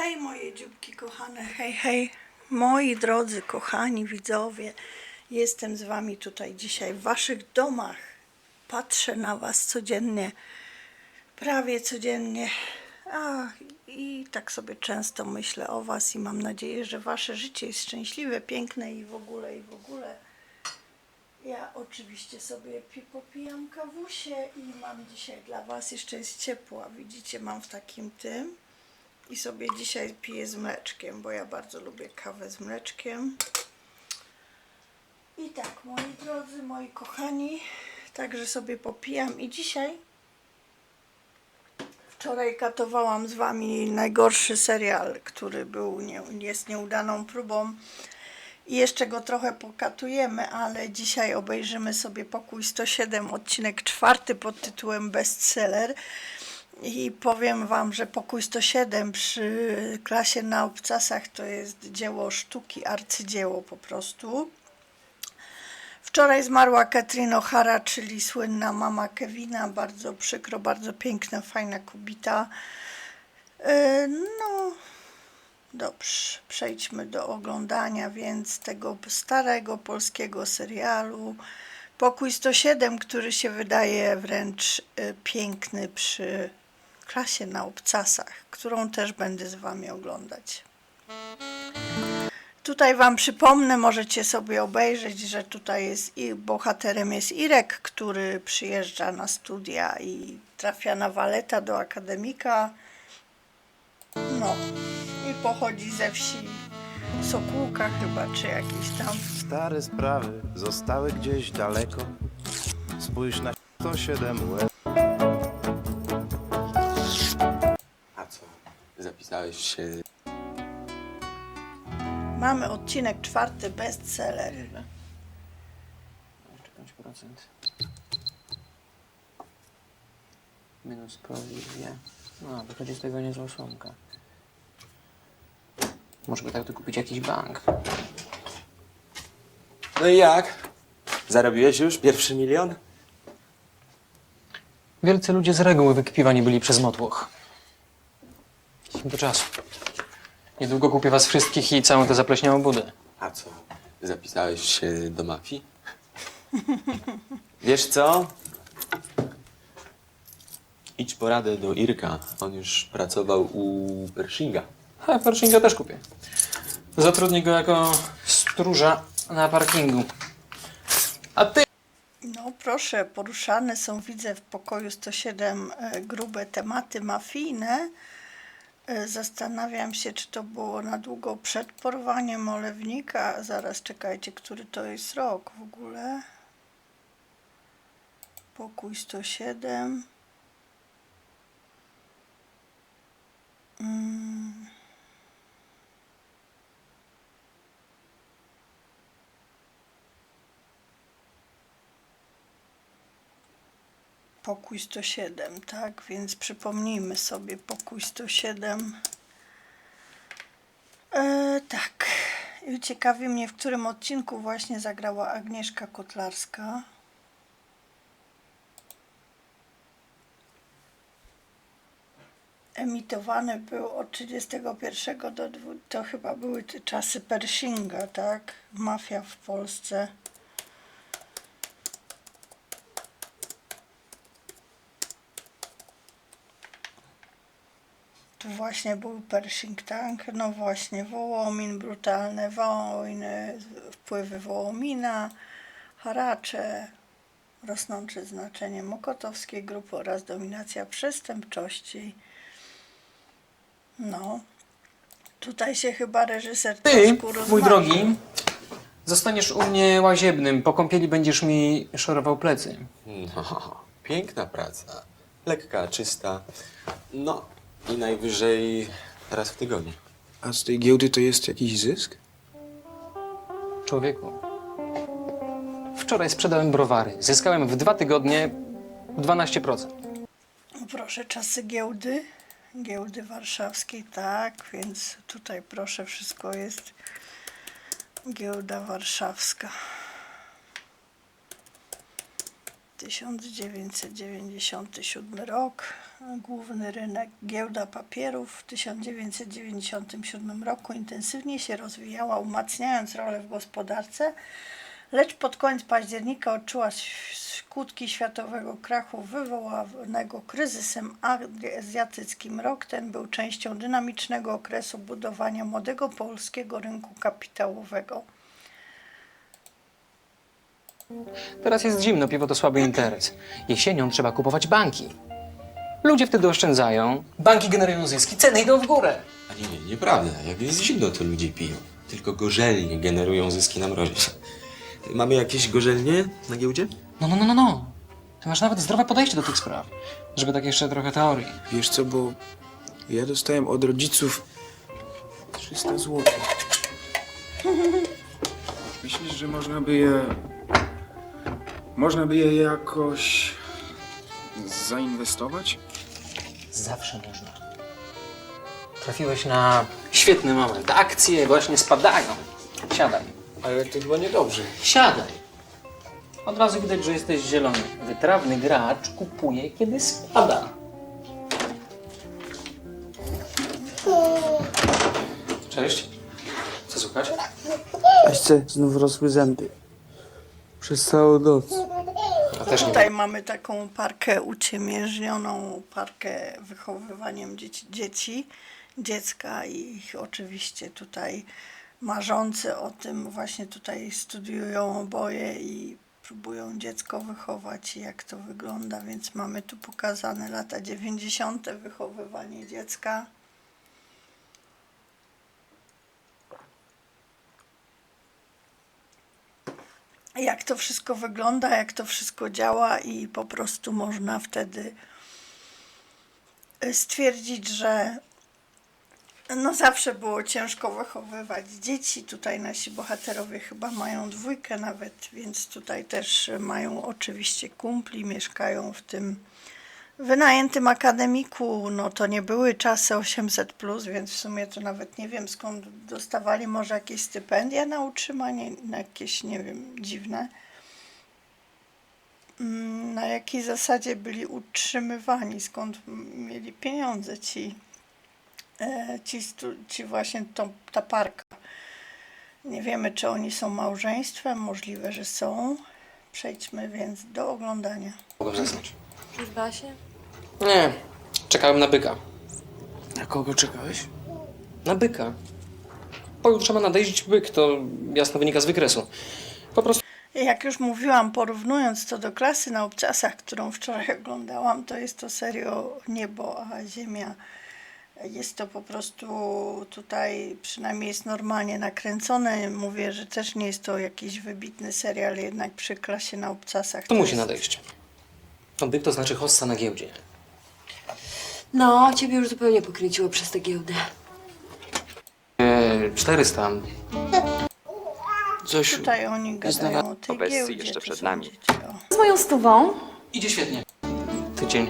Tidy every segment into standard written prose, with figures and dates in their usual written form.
Hej moje dzióbki kochane, hej, hej, moi drodzy, kochani widzowie, jestem z wami tutaj dzisiaj w waszych domach, patrzę na was codziennie, prawie codziennie, i tak sobie często myślę o was i mam nadzieję, że wasze życie jest szczęśliwe, piękne i w ogóle, i w ogóle. Ja oczywiście sobie popijam kawusię i mam dzisiaj dla was, jeszcze jest ciepła, widzicie, mam w takim tym. I sobie dzisiaj piję z mleczkiem, bo ja bardzo lubię kawę z mleczkiem. I tak, moi drodzy, moi kochani, także sobie popijam. I dzisiaj, wczoraj katowałam z wami najgorszy serial, który jest nieudaną próbą. I jeszcze go trochę pokatujemy, ale dzisiaj obejrzymy sobie Pokój 107, odcinek 4 pod tytułem Bestseller. I powiem wam, że Pokój 107 przy klasie na obcasach to jest dzieło sztuki, arcydzieło po prostu. Wczoraj zmarła Catherine O'Hara, czyli słynna mama Kevina. Bardzo przykro, bardzo piękna, fajna kobieta. No, dobrze, przejdźmy do oglądania więc tego starego polskiego serialu Pokój 107, który się wydaje wręcz piękny przy klasie na obcasach, którą też będę z wami oglądać. Tutaj wam przypomnę, możecie sobie obejrzeć, że tutaj jest bohaterem jest Irek, który przyjeżdża na studia i trafia na waleta do akademika. No i pochodzi ze wsi Sokółka chyba, czy jakiś tam. Stare sprawy zostały gdzieś daleko. Spójrz na 107 łez. A co? Zapisałeś się? Mamy odcinek 4, bestseller. Jeszcze 5%. Minus prowizja. No, wychodzi z tego niezła szumka. Może by tak tu kupić jakiś bank. No i jak? Zarobiłeś już pierwszy milion? Wielcy ludzie z reguły wykpiwani byli przez motłoch. Do czasu. Niedługo kupię was wszystkich i całą tę zapleśniałą budę. A co? Zapisałeś się do mafii? Wiesz co? Idź po radę do Irka. On już pracował u Pershinga. A Pershinga też kupię. Zatrudnię go jako stróża na parkingu. A ty? No proszę, poruszane są, widzę w Pokoju 107 grube tematy mafijne. Zastanawiam się, czy to było na długo przed porwaniem Olewnika. Zaraz czekajcie, który to jest rok w ogóle. Pokój 107. Pokój 107, tak? Więc przypomnijmy sobie Pokój 107. Tak. I ciekawi mnie, w którym odcinku właśnie zagrała Agnieszka Kotlarska. Emitowany był od 31 do 20, to chyba były te czasy Pershinga, tak? Mafia w Polsce. Tu właśnie był Pershing, tak? No właśnie, Wołomin, brutalne wojny, wpływy Wołomina, haracze, rosnące znaczenie mokotowskiej grupy oraz dominacja przestępczości. No, tutaj się chyba reżyser Ty, troszkę mój rozmarzył. drogi, zostaniesz u mnie łaziebnym. Po kąpieli będziesz mi szorował plecy. No, piękna praca. Lekka, czysta. No i najwyżej raz w tygodniu. A z tej giełdy to jest jakiś zysk? Człowieku, wczoraj sprzedałem browary. Zyskałem w 2 tygodnie 12%. No proszę, czasy giełdy. Giełdy warszawskiej, tak, więc tutaj proszę, wszystko jest giełda warszawska. 1997 rok, Główny rynek, giełda papierów w 1997 roku intensywnie się rozwijała, umacniając rolę w gospodarce, lecz pod koniec października odczuła skutki światowego krachu wywołanego kryzysem azjatyckim. Rok ten był częścią dynamicznego okresu budowania młodego polskiego rynku kapitałowego. Teraz jest zimno, piwo to słaby interes. Jesienią trzeba kupować banki. Ludzie wtedy oszczędzają, banki generują zyski, ceny idą w górę. A nie, nieprawda. Jak jest zimno, to ludzie piją. Tylko gorzelnie generują zyski na mrozie. Mamy jakieś gorzelnie na giełdzie? No. Ty masz nawet zdrowe podejście do tych spraw. Żeby tak jeszcze trochę teorii. Wiesz co, bo ja dostałem od rodziców 300 zł. Myślisz, że można by je jakoś zainwestować? Zawsze można. Trafiłeś na świetny moment. Akcje właśnie spadają. Siadaj. Ale to chyba niedobrze. Siadaj. Od razu widać, że jesteś zielony. Wytrawny gracz kupuje, kiedy spada. Cześć. Co słychać? Jeszcze znów rosły zęby. Przez całą noc. Ja też nie. Tutaj mamy taką parkę uciemiężnioną, parkę wychowywaniem dziecka i oczywiście tutaj marzący o tym właśnie tutaj studiują oboje i próbują dziecko wychować i jak to wygląda, więc mamy tu pokazane lata 90. wychowywanie dziecka. Jak to wszystko wygląda, jak to wszystko działa i po prostu można wtedy stwierdzić, że no zawsze było ciężko wychowywać dzieci. Tutaj nasi bohaterowie chyba mają 2 nawet, więc tutaj też mają oczywiście kumpli, mieszkają w tym wynajętym akademiku. No to nie były czasy 800+, więc w sumie to nawet nie wiem skąd dostawali, może jakieś stypendia na utrzymanie, na jakieś, nie wiem, dziwne. Na jakiej zasadzie byli utrzymywani, skąd mieli pieniądze ci właśnie ta parka. Nie wiemy, czy oni są małżeństwem, możliwe, że są. Przejdźmy więc do oglądania. Mogę zasnąć. Już da się? Nie. Czekałem na byka. Na kogo czekałeś? Na byka. Pojutrze ma nadejść byk, to jasno wynika z wykresu. Po prostu Jak już mówiłam, porównując to do Klasy na obcasach, którą wczoraj oglądałam, to jest to serio niebo, a ziemia. Jest to po prostu tutaj, przynajmniej jest normalnie nakręcone. Mówię, że też nie jest to jakiś wybitny serial, jednak przy Klasie na obcasach to musi jest... nadejść. No byk to znaczy hossa na giełdzie. No, ciebie już zupełnie pokręciło przez tę giełdę. 400. Zosiu, Tutaj oni gadają o tej Obeccy giełdzie, jeszcze to przed są nami. dzieci, o. Z moją stówą? Idzie świetnie. Tydzień.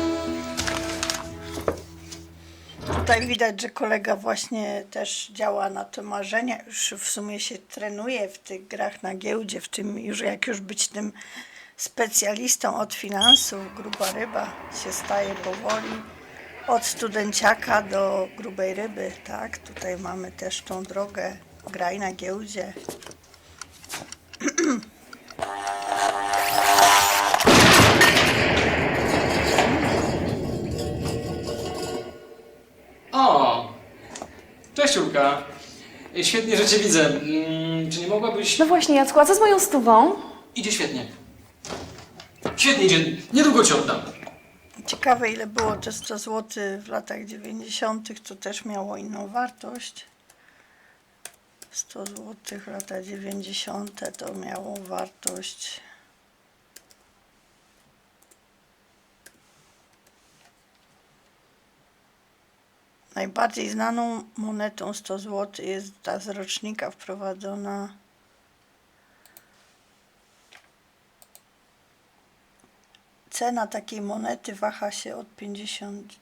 Tutaj widać, że kolega właśnie też działa na te marzenia, już w sumie się trenuje w tych grach na giełdzie, w tym już jak już być tym specjalistą od finansów, gruba ryba się staje powoli, od studenciaka do grubej ryby, tak? Tutaj mamy też tą drogę, graj na giełdzie. O! Cześć, Julka. Świetnie, że cię widzę. Czy nie mogłabyś... No właśnie, Jacku, a co z moją stówą? Idzie świetnie. Świetnie idzie. Niedługo ci oddam. Ciekawe, ile było te 100 zł w latach 90., to też miało inną wartość. 100 zł lata 90. to miało wartość. Najbardziej znaną monetą 100 zł jest ta z rocznika wprowadzona. Cena takiej monety waha się od 50.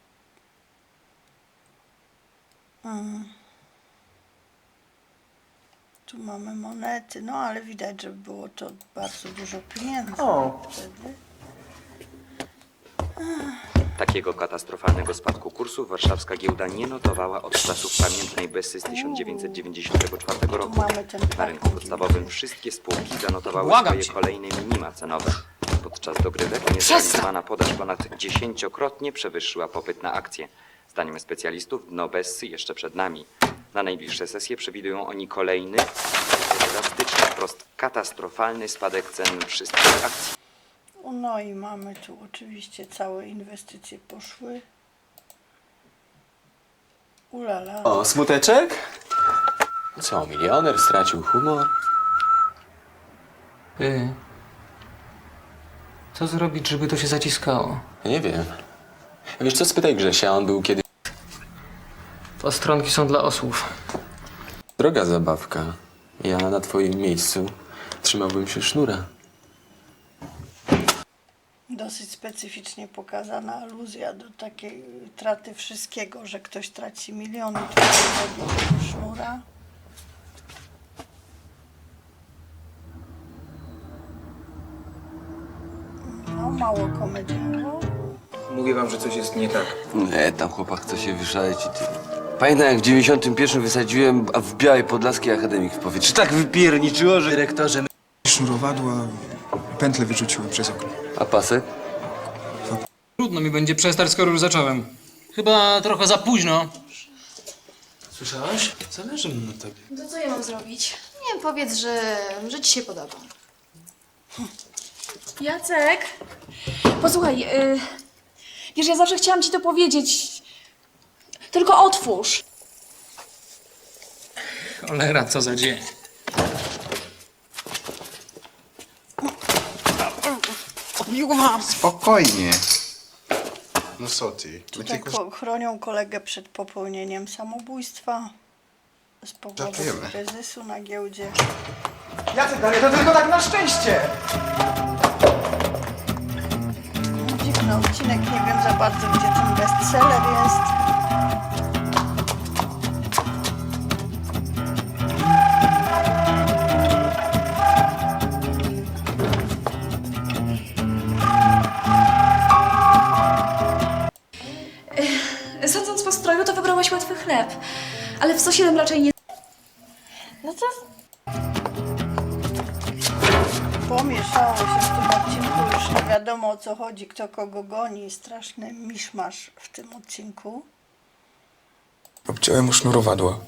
Tu mamy monety, no ale widać, że było to bardzo dużo pieniędzy O. wtedy. Takiego katastrofalnego spadku kursu warszawska giełda nie notowała od czasów pamiętnej Bessy z 1994 Tu roku. mamy ten Na rynku podstawowym wszystkie spółki zanotowały swoje cię. kolejne minima cenowe. Podczas dogrywek niezrealizowana podaż ponad 10-krotnie przewyższyła popyt na akcje. Zdaniem specjalistów dno Bessy jeszcze przed nami. Na najbliższe sesje przewidują oni kolejny, drastyczny, wprost katastrofalny spadek cen wszystkich akcji. No i mamy tu oczywiście całe inwestycje poszły. Ulala. O, smuteczek? Co, milioner stracił humor? Ty. Co zrobić, żeby to się zaciskało? Nie wiem. Wiesz co, spytaj Grzesia, on był kiedyś... Postronki są dla osłów. Droga zabawka. Ja na twoim miejscu trzymałbym się sznura. Dosyć specyficznie pokazana aluzja do takiej traty wszystkiego, że ktoś traci miliony, tutaj według tego sznura. No, mało komediowo. Mówię wam, że coś jest nie tak. Nie, tam chłopak chce się wyszaleć i ty. Pamiętam, jak w 91 wysadziłem w Białej Podlaskiej akademik w powietrze. Tak wypierniczyło, że dyrektorze... Sznurowadła, pętlę wyrzuciłem przez okno. A pasek? Trudno mi będzie przestać, skoro już zacząłem. Chyba trochę za późno. Słyszałaś? Zależy mi na tobie. To co ja mam zrobić? Nie wiem, powiedz, że ci się podoba. Jacek! Posłuchaj, wiesz, ja zawsze chciałam ci to powiedzieć. Tylko otwórz. Cholera, co za dzień. Spokojnie. No co ty? Tutaj chronią kolegę przed popełnieniem samobójstwa z powodu Żartujemy. kryzysu na giełdzie. Jacek, ale to tylko tak na szczęście! Dziwny odcinek, nie wiem za bardzo, gdzie ten bestseller jest. Sądząc po stroju, to wybrałaś łatwy chleb. Ale w sosie raczej nie... No to... Pomieszało się w tym odcinku, już nie wiadomo o co chodzi, kto kogo goni. Straszny miszmasz w tym odcinku. Obciąłem mu sznurowadła.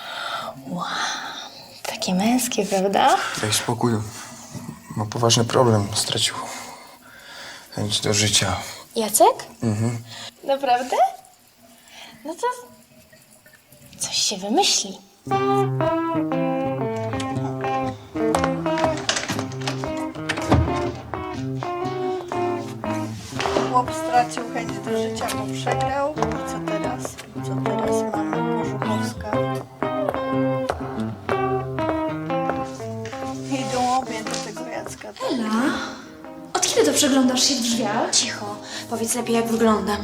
Takie męskie, prawda? Daj spokój. Ma poważny problem. Stracił chęć do życia. Jacek? Naprawdę? No to... coś się wymyśli. Chłop stracił chęć do życia, bo przegrał. I co teraz? Co teraz mamy? Kożuchowska. Idą obie do tego Jacka. Ela, od kiedy to przeglądasz się w drzwiach? Cicho, powiedz lepiej jak wyglądam.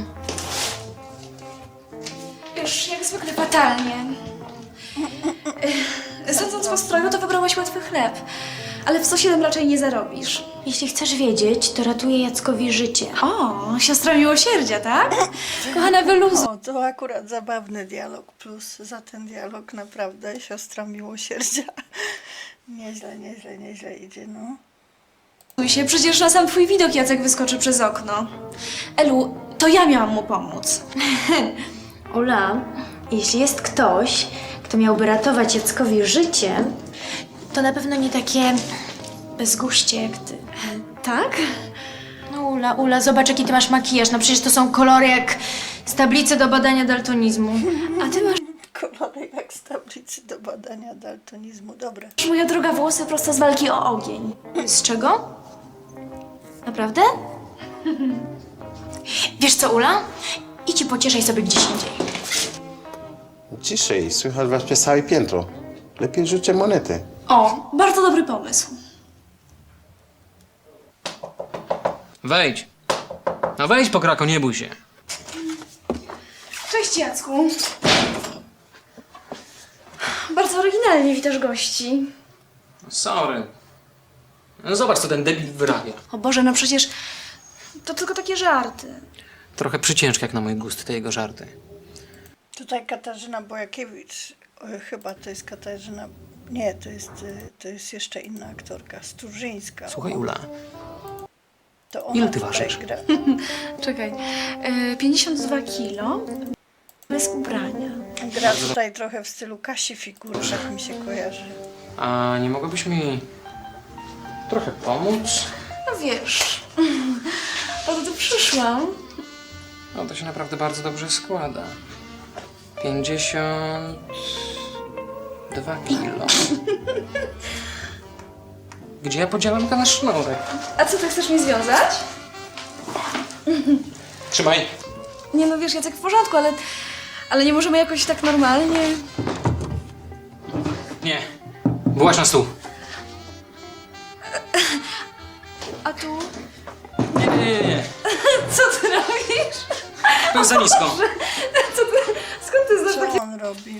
Już jak zwykle fatalnie. Sądząc po stroju, to wybrałaś łatwy chleb. Ale w sosie raczej nie zarobisz. Jeśli chcesz wiedzieć, to ratuję Jackowi życie. O, siostra miłosierdzia, tak? Kochana, wyluzuj. O, to akurat zabawny dialog. Plus za ten dialog naprawdę siostra miłosierdzia. Nieźle idzie, no. się, przecież na sam twój widok Jacek wyskoczy przez okno. Elu, to ja miałam mu pomóc. Ula, jeśli jest ktoś, kto miałby ratować Jackowi życie, to na pewno nie takie bezguście jak ty. Tak? No Ula, zobacz jaki ty masz makijaż. No przecież to są kolory jak z tablicy do badania daltonizmu. A ty masz, Kolory jak z tablicy do badania daltonizmu. Dobra. moja droga, włosy prosto z walki o ogień. Z czego? Naprawdę? Wiesz co, Ula? Idź i pocieszaj sobie gdzieś indziej. Ciszej, słychać was przez całe piętro. Lepiej rzućcie monety. O, bardzo dobry pomysł. Wejdź. No wejdź, pokrako, nie bój się. Cześć, Jacku. Bardzo oryginalnie witasz gości. Sorry. No zobacz, co ten debil wyrabia. O Boże, no przecież to tylko takie żarty. Trochę przyciężki jak na mój gust, te jego żarty. Tutaj Katarzyna Bojakiewicz, chyba to jest Katarzyna, nie, to jest jeszcze inna aktorka, Sturzyńska. Słuchaj, Ula, To ona ile ty tutaj ważysz? gra. Czekaj. 52 kilo. Bez ubrania. Gra tutaj trochę w stylu Kasi Figury, tak mi się kojarzy. a nie mogłabyś mi trochę pomóc? No wiesz, po to tu przyszłam. No to się naprawdę bardzo dobrze składa. 52 kilo. Gdzie ja podzielam ten sznurek? A co, ty chcesz mnie związać? Trzymaj. Nie no wiesz, Jacek, w porządku, ale nie możemy jakoś tak normalnie. Nie. Byłaś na stół. A tu? Nie. Co ty robisz? To jest za nisko. Co ty, skąd ty znasz Co takie... on robi?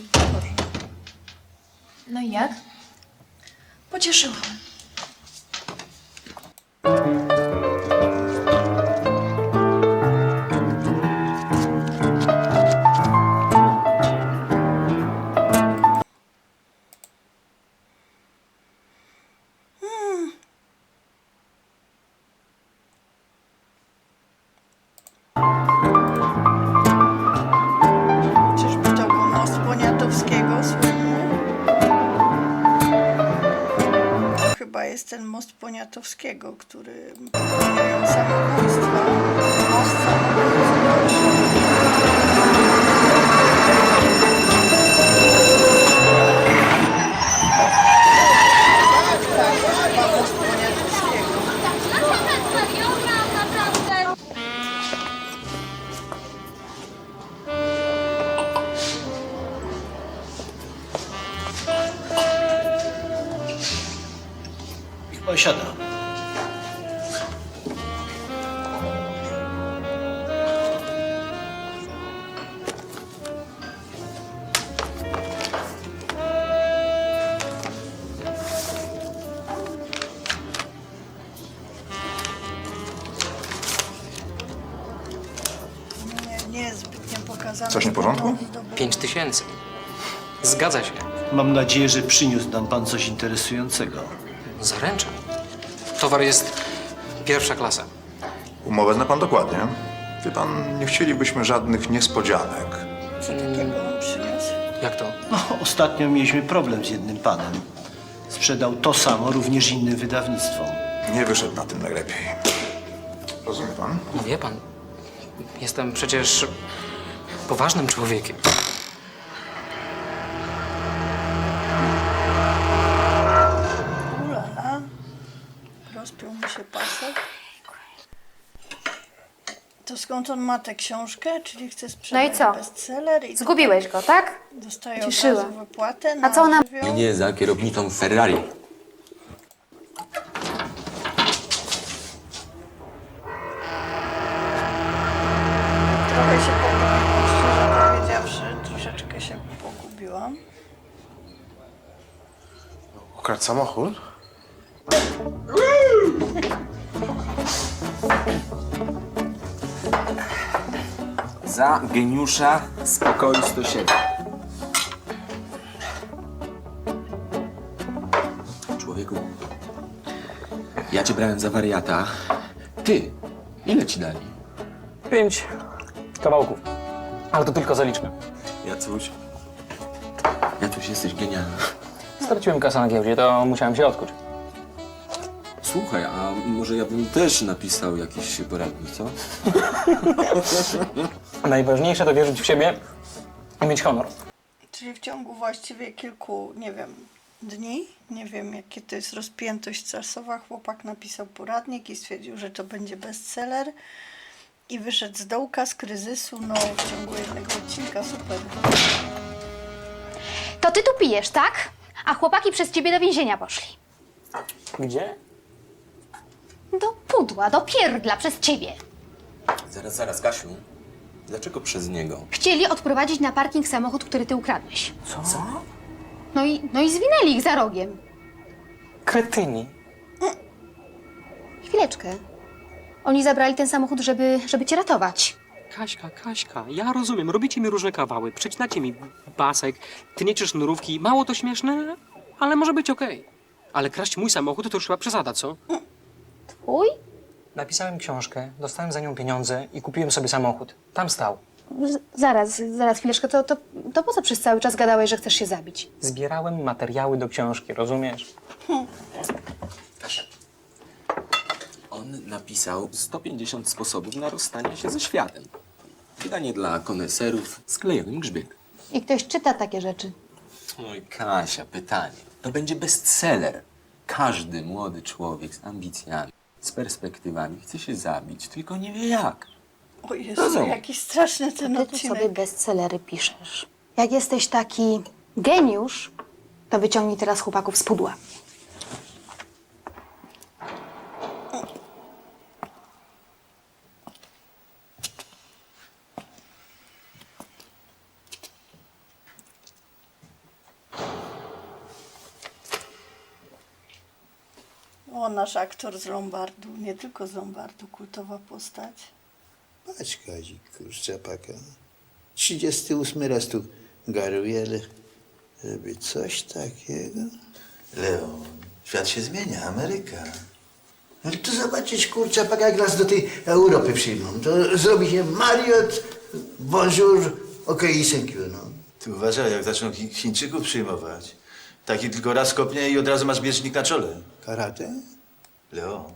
No i jak? Pocieszyłam. Czyżby to był most Poniatowskiego słynny? To chyba jest ten most Poniatowskiego, który popełniają samobójstwa. Most samobójstwa. Tak, chyba most Poniatowskiego. Niech pan siada. Nie jest zbytnio pokazane. Coś nie w porządku? 5000. Zgadza się. Mam nadzieję, że przyniósł nam pan coś interesującego. Zaręczam. Towar jest pierwsza klasa. Umowę zna pan dokładnie. Wie pan, nie chcielibyśmy żadnych niespodzianek. Co takiego on przyniósł? Jak to? No, ostatnio mieliśmy problem z jednym panem. Sprzedał to samo również innym wydawnictwom. Nie wyszedł na tym najlepiej. Rozumie pan? No wie pan, jestem przecież poważnym człowiekiem. Ulala. Rozpiął mi się pasek. To skąd on ma tę książkę? Czyli chce sprzedać No i co? bestseller? I Zgubiłeś go, tak? dostaje Cieszyła. od razu wypłatę A co ona... żywioł? Nie za kierownicą Ferrari. Trochę się pogubiłam, szczerze powiedziawszy. Troszeczkę się pogubiłam. Ukradł samochód? Za geniusza spokoju 107. Człowieku, ja cię brałem za wariata. Ty, ile ci dali? 5 kawałków. Ale to tylko zaliczmy. Jacuś, jesteś genialny. Straciłem kasę na giełdzie, to musiałem się odkuć. Słuchaj, a może ja bym też napisał jakiś poradnik, co? Najważniejsze to wierzyć w siebie i mieć honor. Czyli w ciągu właściwie kilku, nie wiem, dni, nie wiem jakie to jest rozpiętość czasowa, chłopak napisał poradnik i stwierdził, że to będzie bestseller i wyszedł z dołka, z kryzysu, no w ciągu jednego odcinka, super. To ty tu pijesz, tak? A chłopaki przez ciebie do więzienia poszli. Gdzie? Do pudła, do pierdla przez ciebie. Zaraz, Kasiu. Dlaczego przez niego? Chcieli odprowadzić na parking samochód, który ty ukradłeś. Co? No i zwinęli ich za rogiem. Kretyni. Chwileczkę. Oni zabrali ten samochód, żeby cię ratować. Kaśka, ja rozumiem, robicie mi różne kawały, przecinacie mi pasek, tniecie sznurówki, mało to śmieszne, ale może być okej. Ale kraść mój samochód to już chyba przesada, co? Twój? Napisałem książkę, dostałem za nią pieniądze i kupiłem sobie samochód. Tam stał. Zaraz, chwileczkę. To po co przez cały czas gadałeś, że chcesz się zabić? Zbierałem materiały do książki, rozumiesz? Kasia. On napisał 150 sposobów na rozstanie się ze światem. Wydanie dla koneserów z klejonym grzbietem. I ktoś czyta takie rzeczy. Oj, Kasia, pytanie. To będzie bestseller. Każdy młody człowiek z ambicjami, z perspektywami chce się zabić, tylko nie wie jak. O Jezu, jaki straszny ten Ty tu odcinek. sobie bestsellery piszesz. Jak jesteś taki geniusz, to wyciągnij teraz chłopaków z pudła. O, nasz aktor z Lombardu, nie tylko z Lombardu, kultowa postać. Patrz, Kazik, kurczapaka. 38 raz tu garuje, ale żeby coś takiego... Leon, świat się zmienia, Ameryka. No to zobaczysz, kurczapaka, jak nas do tej Europy przyjmą. To zrobi się Marriott, bonjour, okej, thank you, no. Ty uważaj, jak zaczną Chińczyków przyjmować. Taki tylko raz kopnie i od razu masz bieżnik na czole. Karate? Leo.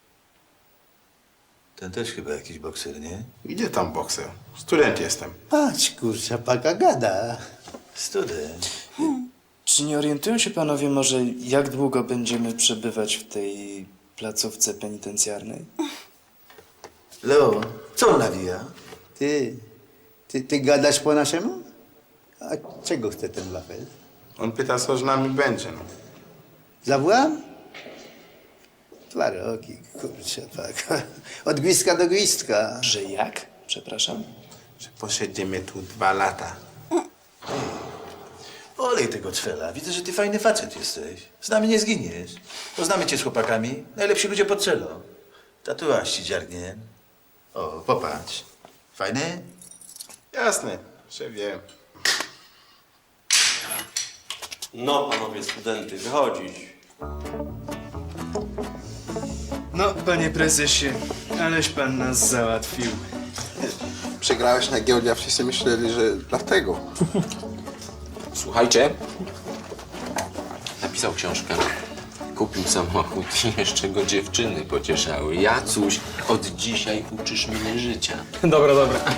Ten też chyba jakiś bokser, nie? Gdzie tam bokser? Student jestem. Patrz, kurczapaka gada. Student. Czy nie orientują się panowie może, jak długo będziemy przebywać w tej placówce penitencjarnej? Leo, co on nawija? Ty gadasz po naszemu? A czego chce ten wafel? On pyta, co z nami będzie. No. Zawłam? 2 roki, kurczapaka. Od gwizdka do gwizdka. Że jak? Przepraszam. Że posiedzimy tu 2 lata. Olej tego cwela. Widzę, że ty fajny facet jesteś. Z nami nie zginiesz. Poznamy cię z chłopakami. Najlepsi ludzie pod celą. Tatuaż ci dziargnie. O, popatrz. Fajny? Jasne, że wiem. No, panowie studenty, wychodzić. No, panie prezesie, aleś pan nas załatwił. Przegrałeś na giełdzie, a wszyscy myśleli, że dlatego. Słuchajcie. Napisał książkę. Kupił samochód i jeszcze go dziewczyny pocieszały. Jacuś, od dzisiaj uczysz mnie życia. Dobra.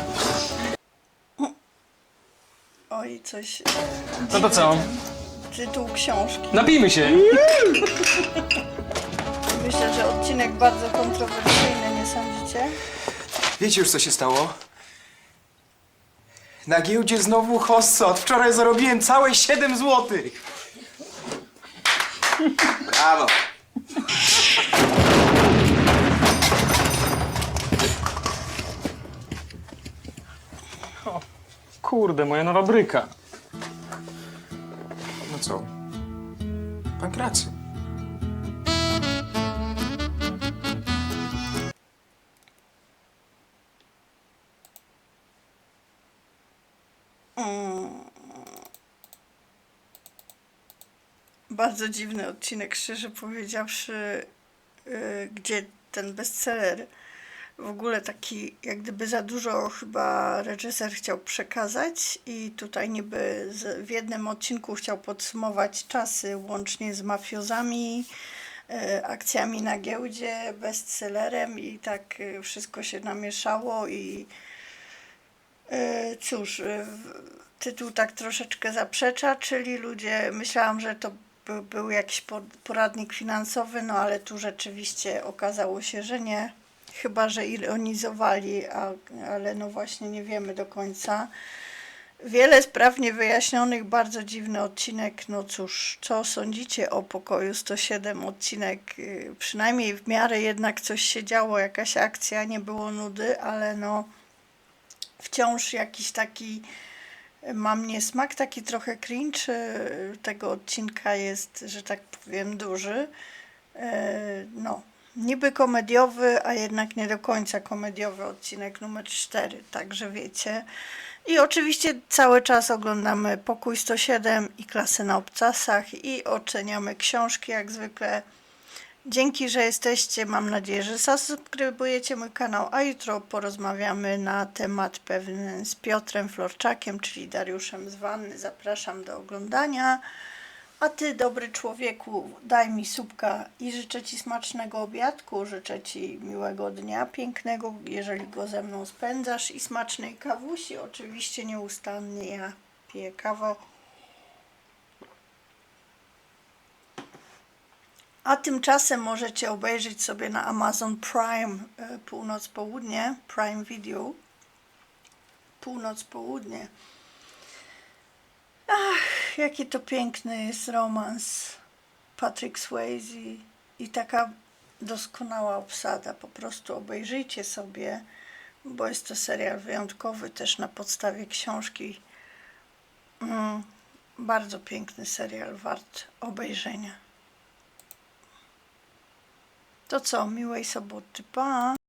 Oj, coś... No to co? Tytuł książki. Napijmy się! Myślę, że odcinek bardzo kontrowersyjny, nie sądzicie? Wiecie już, co się stało? Na giełdzie znowu hossa. Od wczoraj zarobiłem całe 7 złotych. Brawo! Kurde, moja nowa bryka. No co? Pankracy. Bardzo dziwny odcinek, szczerze powiedziawszy, gdzie ten bestseller w ogóle taki jak gdyby za dużo chyba reżyser chciał przekazać i tutaj niby w jednym odcinku chciał podsumować czasy łącznie z mafiozami, akcjami na giełdzie, bestsellerem i tak wszystko się namieszało i cóż, tytuł tak troszeczkę zaprzecza, czyli ludzie, myślałam, że to był jakiś poradnik finansowy, no ale tu rzeczywiście okazało się, że nie. Chyba że ironizowali, ale no właśnie nie wiemy do końca. Wiele spraw niewyjaśnionych, bardzo dziwny odcinek. No cóż, co sądzicie o Pokoju 107? Odcinek przynajmniej w miarę jednak coś się działo, jakaś akcja, nie było nudy, ale no wciąż jakiś taki mam niesmak, taki trochę cringe tego odcinka jest, że tak powiem, duży. No, niby komediowy, a jednak nie do końca komediowy odcinek numer 4, także wiecie. I oczywiście cały czas oglądamy Pokój 107 i Klasy na obcasach i oceniamy książki jak zwykle. Dzięki, że jesteście. Mam nadzieję, że zasubskrybujecie mój kanał, a jutro porozmawiamy na temat pewny z Piotrem Florczakiem, czyli Dariuszem z Wanny. Zapraszam do oglądania. A ty, dobry człowieku, daj mi subka i życzę ci smacznego obiadku, życzę ci miłego dnia, pięknego, jeżeli go ze mną spędzasz, i smacznej kawusi. Oczywiście nieustannie ja piję kawę. A tymczasem możecie obejrzeć sobie na Amazon Prime północ-południe, Prime Video, północ-południe. Ach, jaki to piękny jest romans. Patrick Swayze i taka doskonała obsada. Po prostu obejrzyjcie sobie, bo jest to serial wyjątkowy też na podstawie książki. Bardzo piękny serial, wart obejrzenia. To co, miłej soboty, pa!